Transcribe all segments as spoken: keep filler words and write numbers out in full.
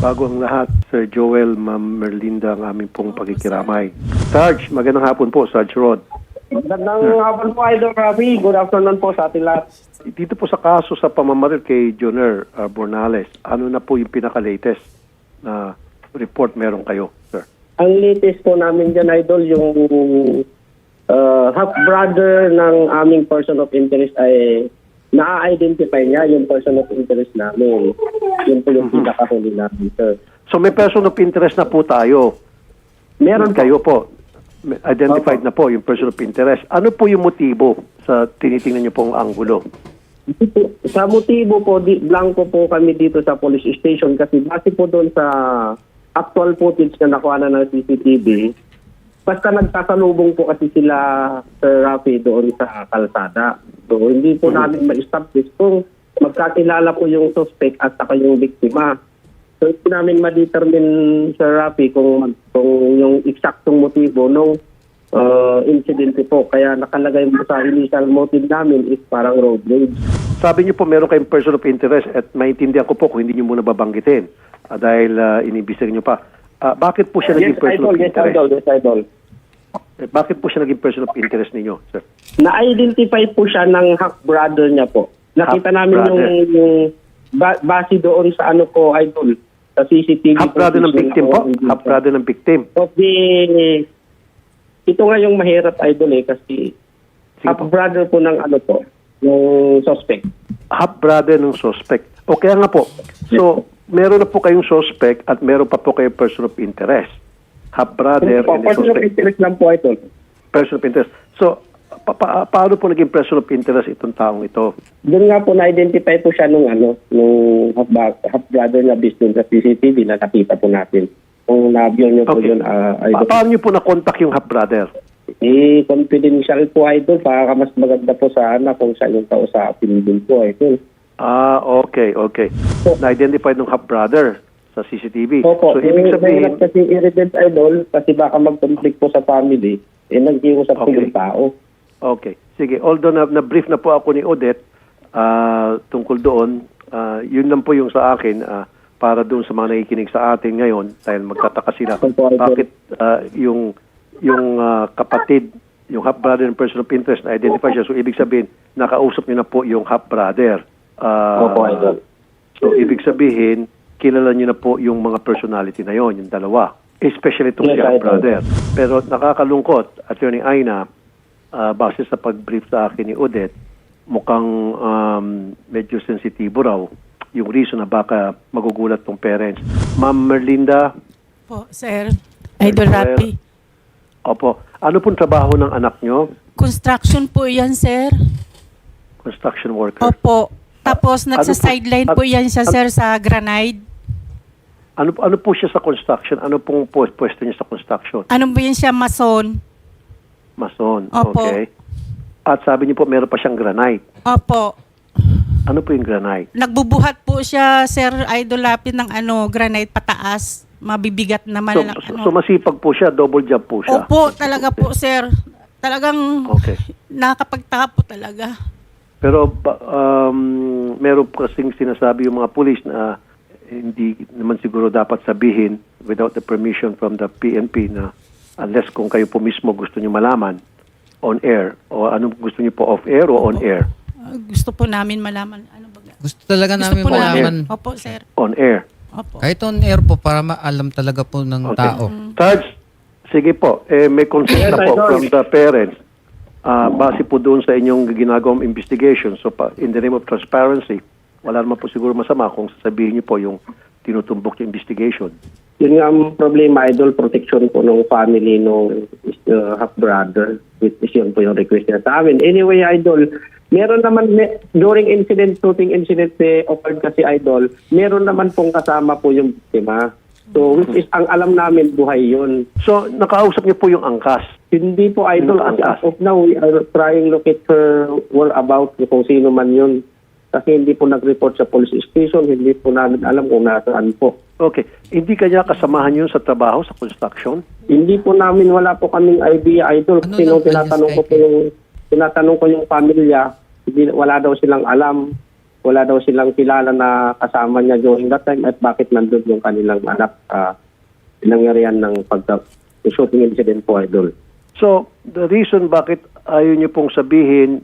Bago ang lahat, Sir Joel, Ma'am Merlinda, ang aming pong pakikiramay. Sarge, magandang hapon po, Sarge Rod. Magandang hapon po, Idol Rafi. Good afternoon po sa ating lahat. Dito po sa kaso sa pamamaril kay Joner uh, Bornales, ano na po yung pinaka-latest na report meron kayo, sir? Ang latest po namin dyan, Idol, yung uh, half-brother ng aming person of interest ay na-identify niya yung person of interest namin. Yun po yung pinakahuli namin, sir. So may person of interest na po tayo. Meron Kayo po. Identified na po yung person of interest. Ano po yung motibo sa tinitingnan niyo pong anggulo? Sa motibo po, di, blanco po kami dito sa police station kasi base po doon sa actual footage na nakuha na ng C C T V, basta nagsasalubong po kasi sila, Sir Rafi, doon sa kalsada. So, hindi po namin ma-establish kung magkakilala po yung suspect at saka yung biktima. So, hindi namin ma-determine, Sir Rafi, kung, kung yung eksaktong motibo ng uh, incident po. Kaya nakalagay mo sa initial motive namin is parang road rage. Sabi niyo po meron kayong person of interest at maintindihan ko po kung hindi niyo muna babanggitin uh, dahil uh, inibisig niyo pa. Uh, bakit po siya naging Yes, person idol, of yes, interest? idol, yes, idol. Eh, bakit po siya naging person of interest ninyo, sir? Na-identify po siya ng half-brother niya po. Nakita namin yung, Half-brother. yung ba- base doon sa ano ko, idol, sa C C T V. Half-brother ng footage victim na po? ako. Half-brother ng victim? Of the, ito nga yung mahirap, idol, eh, kasi Sige po. half-brother po ng ano po, yung suspect. Half-brother ng suspect. O kaya nga po. So, meron na po kayong suspect at meron pa po kayong person of interest. Half-brother Po, and a person of suspect. interest lang po, idol. Person of interest. So, pa- pa- paano po naging person of interest itong taong ito? Doon nga po na-identify po siya nung ano, nung half- half-brother na based doon sa C C T V na nakita po natin. Kung na-view niyo po Okay. yun, uh, Pa- idol. paano niyo po na-contact yung half-brother? Eh, confidential po, idol. Para mas maganda po sana kung siya yung kausapin din po, idol. Ah, okay, okay. Na-identify ng half-brother sa C C T V. Opo, So, ibig sabihin, kasi irritant, idol, kasi baka mag-conflict po sa family, eh, nag-iusap po Okay. yung tao. okay. Sige, although na, na-brief na po ako ni Odette ah, tungkol doon, ah, yun lang po yung sa akin ah, para doon sa mga nakikinig sa atin ngayon dahil magtataka sila. Opo, idol. Bakit ah, yung yung ah, kapatid, yung half-brother ng person of interest na identify siya. So, ibig sabihin, nakausap niyo na po yung half-brother. Ah, Opo, idol. So, ibig sabihin, kilala niyo na po yung mga personality na yon, yung dalawa. Especially itong Yes, si idol. half-brother. Pero nakakalungkot, Attorney Aina, ah, base sa pag-brief sa akin ni Odette, mukhang um, medyo sensitibo raw yung reason na baka magugulat tong parents. Ma'am Merlinda, Po, sir. Idol Sir. Rapi. opo, ano pong trabaho ng anak nyo? Construction po yan, sir. Construction worker. Opo. Tapos Ano po- nagsa-sideline at- po yan siya, at- sir, sa Granite. Ano ano po siya sa construction? Ano pong pu- pwesto niya sa construction? Ano po yan siya, mason? Mason. Opo. Okay. At sabi niyo po meron pa siyang granite. Opo. Ano po yung granite? Nagbubuhat po siya, sir, Idol Rapi, ng ano, granite pataas. Mabibigat naman. So, na, so, ano. so masipag po siya, double job po siya. Opo, talaga po, sir. Talagang Okay. nakakapagtaka po talaga. Pero ba- um, meron po kasing sinasabi yung mga pulis na hindi naman siguro dapat sabihin without the permission from the P N P na unless kung kayo po mismo gusto niyo malaman on air o anong gusto niyo po off air o on air? Ah, gusto po namin malaman. Ano ba? Gusto talaga Gusto namin po namin. malaman. Opo, sir. On air. Opo. Kahit on air po para maalam talaga po ng Okay. tao. Sarge, sige po, eh, may consent na po Idol. from the parents. Ah, base po doon sa inyong ginagawang investigation. So, pa, in the name of transparency, wala naman po siguro masama kung sasabihin niyo po yung tinutumbok yung investigation. Yun nga ang problema, idol, protection po ng family ng uh, half-brother. Which is yun po yung request niya sa amin. Anyway, idol, meron naman, me- during incident, shooting incident eh, occurred kasi, idol, meron naman pong kasama po yung biktima. So, which is, ang alam namin, buhay yun. So, nakausap niyo po yung angkas. Hindi po, idol, Yung as angkas. of now, we are trying to locate her whereabouts kung sino man yun. Kasi hindi po nag-report sa police station, hindi po namin alam kung nasaan po. Okay. Hindi kanya kasamahan yun sa trabaho, sa construction? Hindi po namin, wala po kaming idea, idol. Ano Kasi lang nung po tinatanong yung ko po yung, tinatanong ko yung pamilya, hindi, wala daw silang alam. wala daw silang kilala na kasama niya during that time at bakit nandun yung kanilang anak sa nangyarihan ng pagka shooting incident po, Idol. So, the reason bakit ayaw niyo pong sabihin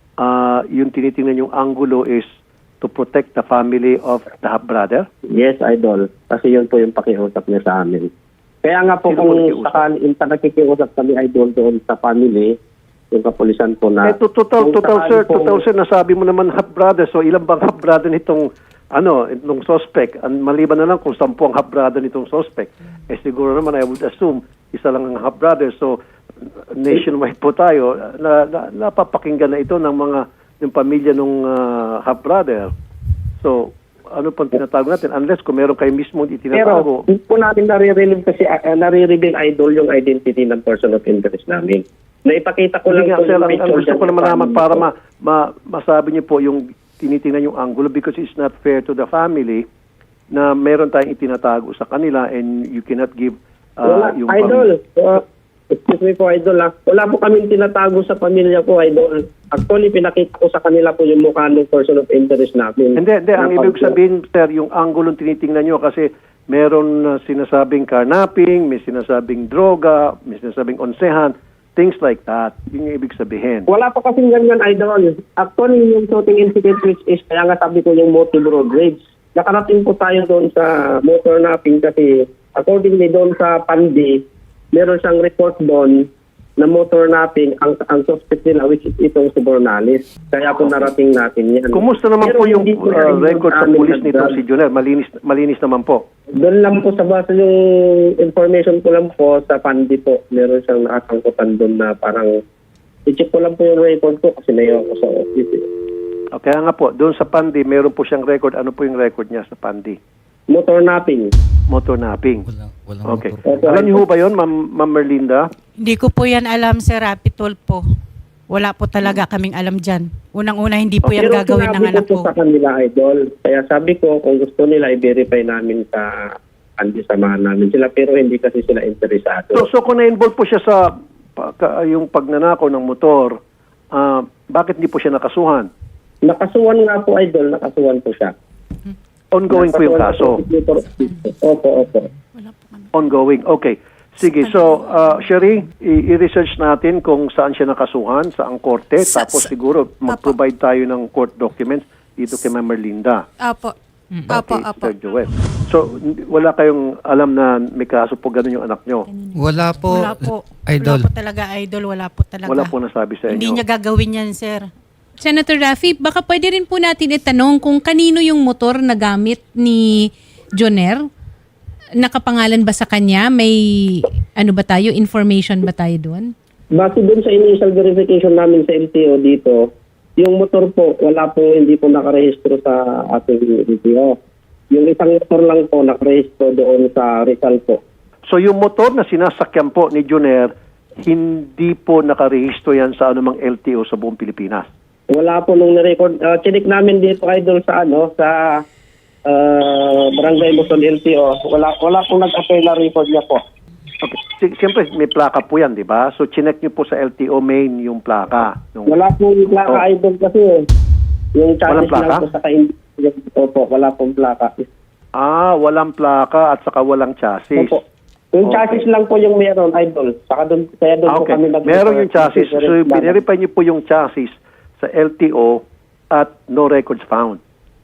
ah, yung tinitingnan yung angulo is to protect the family of the half-brother? Yes, Idol. Kasi yun po yung pakiusap niya sa amin. Kaya nga po Sino kung po nakikiusap? sakali yung nakikiusap kami, Idol, doon sa family, yung kapulisan po na... Eh, to- total, kung total, sakali sir, po- total, sir, nasabi mo naman half-brother. So, ilan bang half-brother nitong, ano, itong suspect? Ang maliban na lang kung sampu ang half-brother nitong suspect. Eh, siguro naman, I would assume, isa lang ang half-brother. So, nationwide po tayo, na, na, napapakinggan na ito ng mga, yung pamilya ng half-brother. So, ano pang tinatago natin? Unless kung meron kayo mismo Pero, itinatago. hindi po namin nare-reveal kasi uh, nare-reveal, Idol, yung identity ng person of interest namin. Naipakita ko lang Hindi nga, po sir, yung ang, ang picture gusto dyan ko sa naman naman family para ko. ma, ma, masabi niyo po yung tinitingnan yung angulo because it's not fair to the family na meron tayong itinatago sa kanila and you cannot give uh, Wala, yung Idol. Uh, excuse me po, Idol. Ah. Wala po kaming tinatago sa pamilya ko, Idol. Actually, pinakita ko sa kanila po yung mukha ng person of interest namin. Hindi, hindi. Ang Na ibig pag- sabihin, sir, yung angulo tinitingnan nyo kasi meron uh, sinasabing carnapping, may sinasabing droga, may sinasabing onsehan, things like that. Yun yung ibig sabihin. Wala pa kasing ganyan, Idol. Actually, yung shooting incident which is, kaya nga sabi ko yung motive road rage. Nakarating po tayo doon sa motor napping kasi accordingly doon sa Pandi, meron siyang report doon na motor napping ang, ang suspect nila which is itong si Bornalis. Kaya po narating natin yan. Kumusta naman Pero po yung hindi po uh, namin record sa amin pulis nagdal- nitong si Junel? Malinis, malinis naman po. Doon lang po sa base yung information ko lang po sa Pandi po. Meron siyang nakasangkutan doon na parang i-check ko lang po yung record ko kasi nayo ako sa office. eh. O, Kaya nga po, doon sa Pandi, meron po siyang record. Ano po yung record niya sa Pandi? Motor napping. Motor napping. Walang, walang Okay. motor. Okay. Alam niyo ho ba yun, Ma'am Ma'am Merlinda? Hindi ko po yan alam, Sir Rapitol po. Wala po talaga kaming alam dyan. Unang-una, hindi po yan Pero gagawin ng sinabi anak ko ko. sa kanila, Idol. Kaya sabi ko, kung gusto nila, i-verify namin sa Pandi, samahan namin sila. Pero hindi kasi sila interesado. So, so kung na-involve po siya sa pa- ka- yung pagnanakaw ng motor, ah, bakit hindi po siya nakasuhan? Nakasuhan nga po, Idol. Nakasuhan po siya. Ongoing po yung kaso. Opo, opo. Ongoing. Okay. Sige, so, uh, Sherry, i- i-research natin kung saan siya nakasuhan, saang korte, Sa- tapos sa- siguro mag-provide tayo ng court documents dito kay Ma'am Merlinda. Apo. Apo, apo. Sir Joel. So, n- wala kayong alam na may kaso po ganun yung anak nyo? Wala po, Wala po. Idol. Wala po talaga, Idol. Wala po talaga. Wala po nasabi sa inyo? Hindi niya gagawin yan, Sir. Senator Raffy, baka pwede rin po natin itanong kung kanino yung motor na gamit ni Joner? Nakapangalan ba sa kanya? May ano ba tayo? Information ba tayo doon? Base dun sa initial verification namin sa L T O dito, yung motor po, wala po, hindi po nakarehistro sa ating L T O. Yung isang motor lang po nakarehistro doon sa Rizal po. So, yung motor na sinasakyan po ni Juner, hindi po nakarehistro yan sa anumang L T O sa buong Pilipinas. Wala po nung na-record. Uh, chinik namin dito, Idol, sa ano, sa uh, Barangay Luzon L T O. Wala, wala pong nag-apply na record niya po. Okay. Si- Siyempre, may plaka po yan, di ba? So, chinek nyo po sa L T O main yung plaka. Nung- Wala pong plaka, Oh. Idol, kasi eh. Yung Walang chassis plaka? lang po sa kain. Opo, wala pong plaka. Ah, walang plaka at saka walang chassis. Opo. Yung Okay. chassis lang po yung meron, Idol. Saka doon, kaya doon Ah, po okay. kami nag- Meron yung chassis. So, Lang. binerify nyo po yung chassis sa L T O at no records found.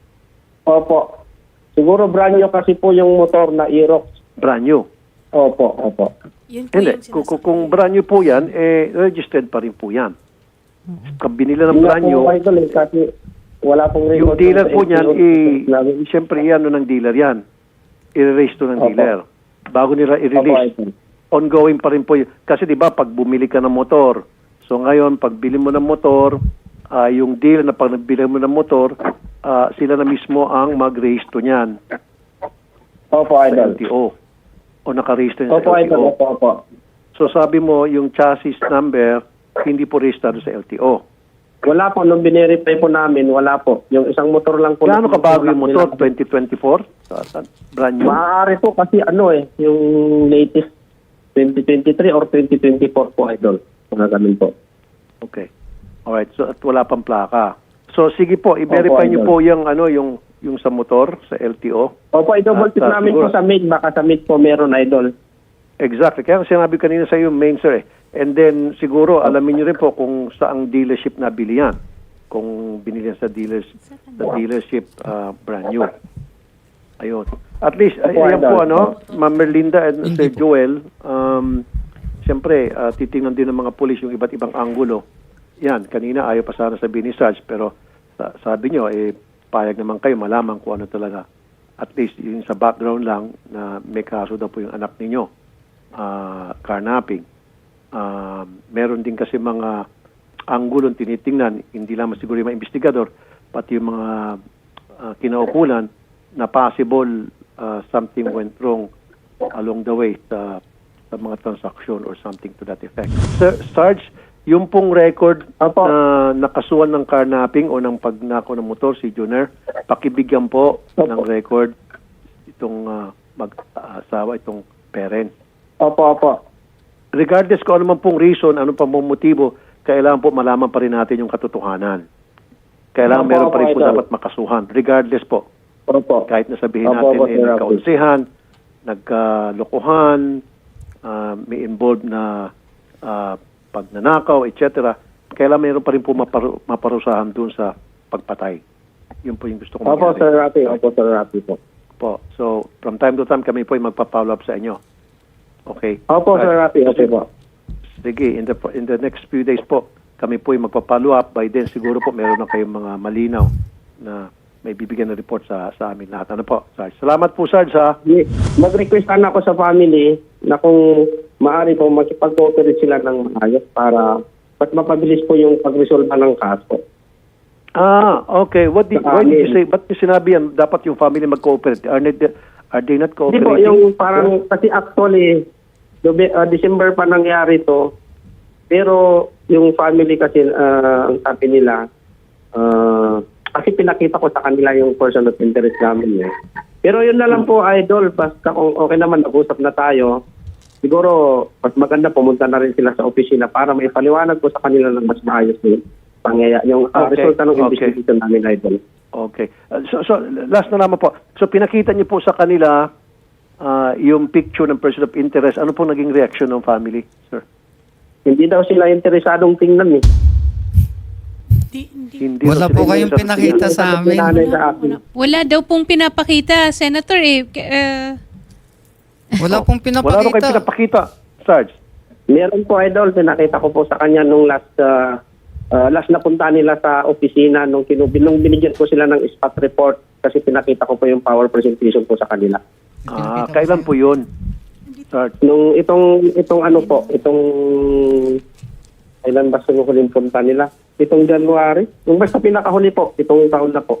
Opo. Siguro brand new kasi po yung motor na Aerox. Brand new. Opo, opo. Yun po Hindi. yung Kung, sinasabi. kung, kung brand new po yan, eh, registered pa rin po yan. Kung binila ng Wala brand new, po, Idol, eh, kasi wala pong yung record dealer sa po niyan, L T O. eh, Namin. siyempre yan ng dealer yan. I-release to ng Opo. dealer. Bago nila Opo, i-release. Idol. Ongoing pa rin po yun. Kasi di ba pag bumili ka ng motor, so ngayon, pag bili mo ng motor, ah, yung dealer na pag nagbili mo ng motor, ah, sila na mismo ang mag-register niyan Opo, sa Idol. L T O. O naka-register niyan Opo, sa L T Idol. O. Opo, opo. So sabi mo, yung chassis number, hindi po registrado sa L T O. Wala po. Nung binerify po namin, wala po. Yung isang motor lang po. Gaano na- kabago yung motor? twenty twenty-four? Sa- sa- Brand new? Maaari po kasi ano eh, yung latest twenty twenty-three or twenty twenty-four po, Idol. Mga ganun po. Okay. Alright. So at wala pang plaka. So sige po, i-verify Opo, niyo Idol. po yung ano yung yung sa motor sa L T O. Opo, i-double check At, ah, namin siguro- po sa maid. Baka sa maid po meron, Idol. Exactly. Kaya sinabi kanina sa iyo, main sir eh. And then siguro alamin niyo rin po kung saang dealership nabili yan. Kung binili yan sa dealers sa dealership ah, brand new. Ayun. At least ay, Opo, ayan Idol. po ano, Ma'am Merlinda and Sir Joel, um siyempre ah, titingnan din ng mga pulis yung iba't ibang anggulo. Yan, kanina ayaw pa sana sabihin ni Sarge, pero sa- sabi nyo, eh, payag naman kayo malaman kung ano talaga. At least yun sa background lang na may kaso daw po yung anak ninyo, ah, carnapping. Ah, meron din kasi mga anggulong tinitingnan, hindi lamang siguro yung mga investigador, pati yung mga ah, kinaukulan na possible ah, something went wrong along the way sa, sa mga transaction or something to that effect. Sir, Sarge, yung pong record Opo. na nakasuhan ng carnapping o ng pagnako ng motor si Junior, pakibigyan po Opo. ng record itong ah, mag-asawa, itong parent. Opo, opo. Regardless kung ano man pong reason, ano pa pong motibo, kailangan po malaman pa rin natin yung katotohanan. Kailangan Opo, meron pa rin opo, po Idol. dapat makasuhan. Regardless po, Opo. kahit na sabihin Opo, natin opo, eh, Sir Rafi. nagkaunsihan, nagkalokohan, ah, may involved na ah, pagnanakaw, et cetera. Kailangan meron pa rin po maparu- maparusahan dun sa pagpatay. Yun po yung gusto kong Opo, mangyari. Sir Rafi. Opo, Sir Rafi po. Po. So, from time to time kami po ay magpa-follow up sa inyo. Okay? Opo, Sir Right. Rafi. Opo po. Sige, in the in the next few days po, kami po ay magpa-follow up. By then, siguro po meron na kayong mga malinaw na may bibigyan ng report sa sa amin lahat. Ano po, Sarge? Salamat po, Sarge, ha? Ye- Mag-request sana ako sa family na kung maaari po makipag-cooperate sila ng maayos para mas mapabilis po yung pag-resolve ng kaso. Ah, okay. What did, Sa why did you amin. say, ba't niyo sinabi yan, dapat yung family mag-cooperate? Are they, are they not Hindi po, cooperating? yung parang, kasi actually, Dobe, uh, December pa nangyari to, pero yung family kasi, uh, ang sabi nila, uh, kasi pinakita ko sa kanila yung person of interest namin. Eh. Pero yun na lang po, Idol, basta kung okay naman, nag-usap na tayo, siguro, mas maganda pumunta na rin sila sa opisina para may paliwanag po sa kanila ng mas maayos yung pangyayari, yung uh, Okay, resulta ng okay. investigation namin, Idol. Okay. Uh, so, so, last na naman po. So, pinakita niyo po sa kanila ah, yung picture ng person of interest. Ano po naging reaction ng family, sir? Hindi daw sila interesadong tingnan eh. Di, hindi. Hindi Wala daw po sila kayong interested pinakita tingnan. sa amin. Pinanay sa akin. Wala daw pong pinapakita, Senator eh. K- eh, Wala pong Wala daw kayo pinapakita. pinapakita, Sarge. Meron po, Idol. Pinakita ko po sa kanya nung last uh, uh, last na punta nila sa opisina nung, kinubin, nung binigyan ko sila ng spot report kasi pinakita ko po yung power presentation po sa kanila. Ah, kailan po yun, Sarge? Nung itong itong ano po, itong kailan ba sinuhuling punta nila? Itong January. Yung basta pinakahuli po, itong taon na po.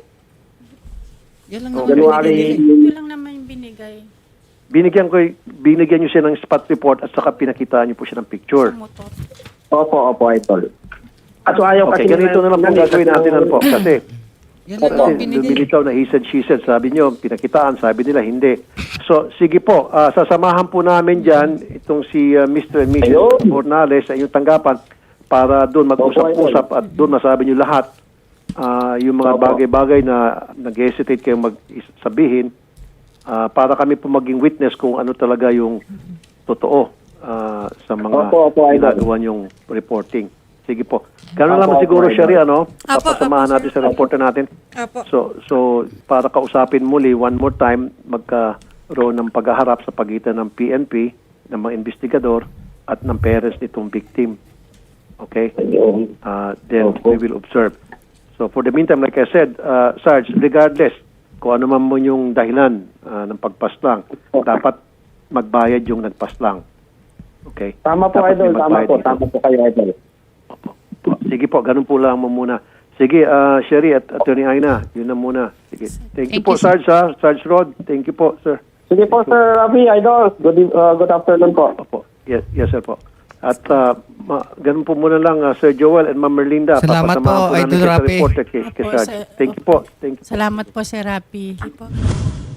Yan lang Oh, naman January. binigay. Ito lang naman yung binigay Binigyan ko, binigyan niyo siya ng spot report at saka pinakitaan niyo po siya ng picture. sa motor. Opo, opo, Idol. At so ayaw Okay, kasi ganito na lang po nila- gagawin natin ano po. Kasi Yan lang Kasi naman binigay. lumilitaw na he said, she said. Sabi niyo, pinakitaan. Sabi nila, hindi. So, sige po. ah, sasamahan po namin dyan itong si ah, Mister and Missus Ayun. Bornales sa inyong tanggapan para doon mag-usap-usap at doon masabi niyo lahat ah, yung mga Opo. bagay-bagay na nag-hesitate kayong mag-sabihin ah, para kami po maging witness kung ano talaga yung totoo ah, sa mga Opo, opo, Idol. ginagawa niyong reporting. Sige po. Ganun Opo, naman opo, siguro, Idol. Sherry, ano? Opo, Papasamahan opo, natin sir. sa reporter natin. Apo. So, so para kausapin muli, one more time, magkaroon ng paghaharap sa pagitan ng P N P, ng mga investigador, at ng parents nitong victim. Okay? Ayun. Uh, then Opo. we will observe. So for the meantime, like I said, uh, Sarge, regardless kung ano man mo yung dahilan uh, ng pagpaslang, dapat magbayad yung nagpaslang. Okay? Tama po, Dapat may Idol. Tama magbayad po. dito. Tama po kayo, Idol. Opo. Po. Sige po, ganun po lang mo muna. Sige, uh, Sherry at Attorney Aina, yun na muna. Sige. Thank, you Thank po, you, sir. Sarge, ha? Sarge Rod. Thank you po, sir. Sige po, Sir Rafi, Idol. Good, eve- uh, good afternoon po. Opo. Yes, yes sir po. At uh, ma- ganun po muna lang, uh, Sir Joel and Ma'am Merlinda. Salamat Papasamahan po, namin Idol kayo sa Rapi. reporter kay, kay Opo, Sarge. sir. Thank you po. Thank you. Salamat po, Sir Rapi. Po.